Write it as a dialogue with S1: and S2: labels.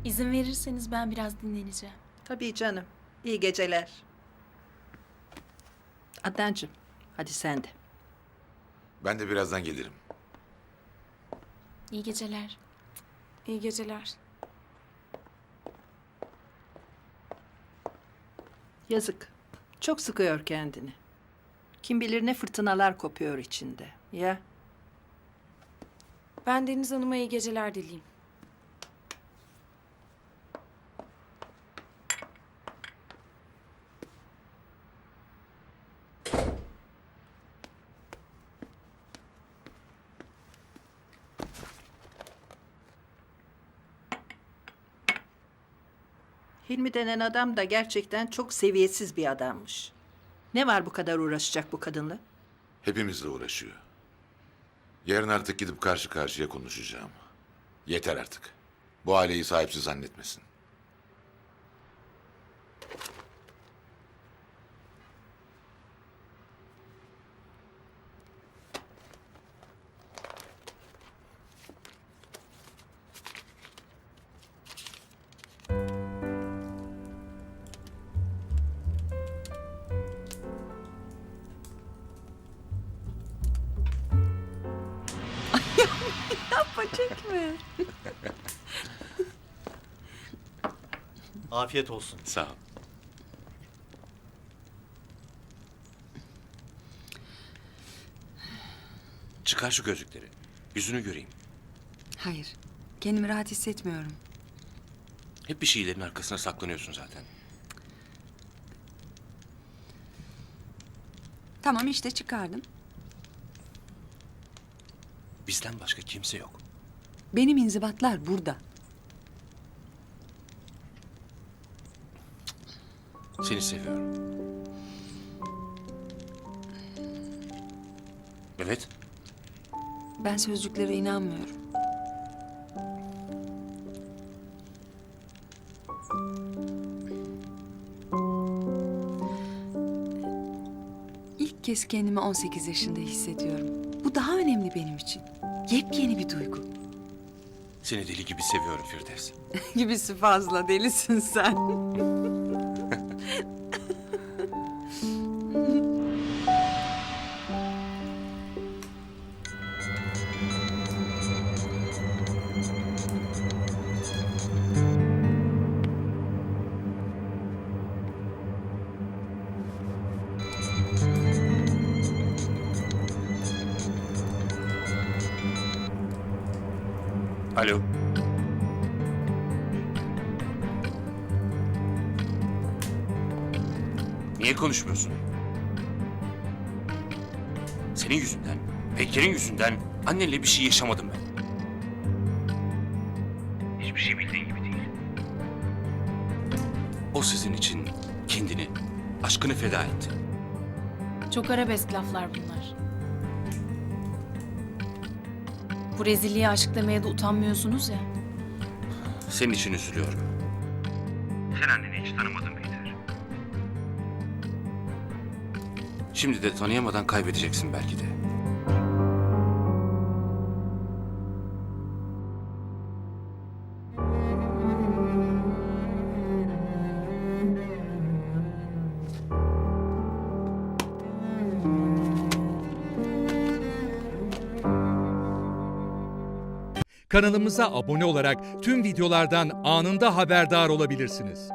S1: İzin verirseniz ben biraz dinleneceğim.
S2: Tabii canım. İyi geceler. Adnancığım, hadi sen de.
S3: Ben de birazdan gelirim.
S1: İyi geceler.
S4: İyi geceler.
S2: Yazık. Çok sıkıyor kendini. Kim bilir ne fırtınalar kopuyor içinde. Ya
S4: Ben Deniz Hanım'a iyi geceler dileyim.
S2: Hilmi denen adam da gerçekten çok seviyesiz bir adammış. Ne var bu kadar uğraşacak bu kadınla?
S3: Hepimizle uğraşıyor. Yarın artık gidip karşı karşıya konuşacağım. Yeter artık. Bu aileyi sahipsiz zannetmesin.
S2: Çekme.
S5: Afiyet olsun.
S3: Sağ ol.
S6: Çıkar şu gözlükleri. Yüzünü göreyim.
S7: Hayır. Kendimi rahat hissetmiyorum.
S6: Hep bir şeylerin arkasına saklanıyorsun zaten.
S7: Tamam işte çıkardım.
S6: Bizden başka kimse yok.
S7: Benim inzibatlar burada.
S6: Seni seviyorum. Evet.
S7: Ben sözcüklere inanmıyorum. İlk kez kendimi 18 yaşında hissediyorum. Bu daha önemli benim için. Yepyeni bir duygu.
S6: Seni deli gibi seviyorum Firdevs.
S7: Gibisi fazla, delisin sen.
S6: Alo. Niye konuşmuyorsun? Senin yüzünden, Peker'in yüzünden annenle bir şey yaşamadım ben. Hiçbir şey bildiğin gibi değil. O sizin için kendini, aşkını feda etti.
S1: Çok arabesk laflar bunlar. Bu rezilliğe aşk demeye de utanmıyorsunuz ya.
S6: Senin için üzülüyorum. Sen anneni hiç tanımadın Peter. Şimdi de tanıyamadan kaybedeceksin belki de.
S8: Kanalımıza abone olarak tüm videolardan anında haberdar olabilirsiniz.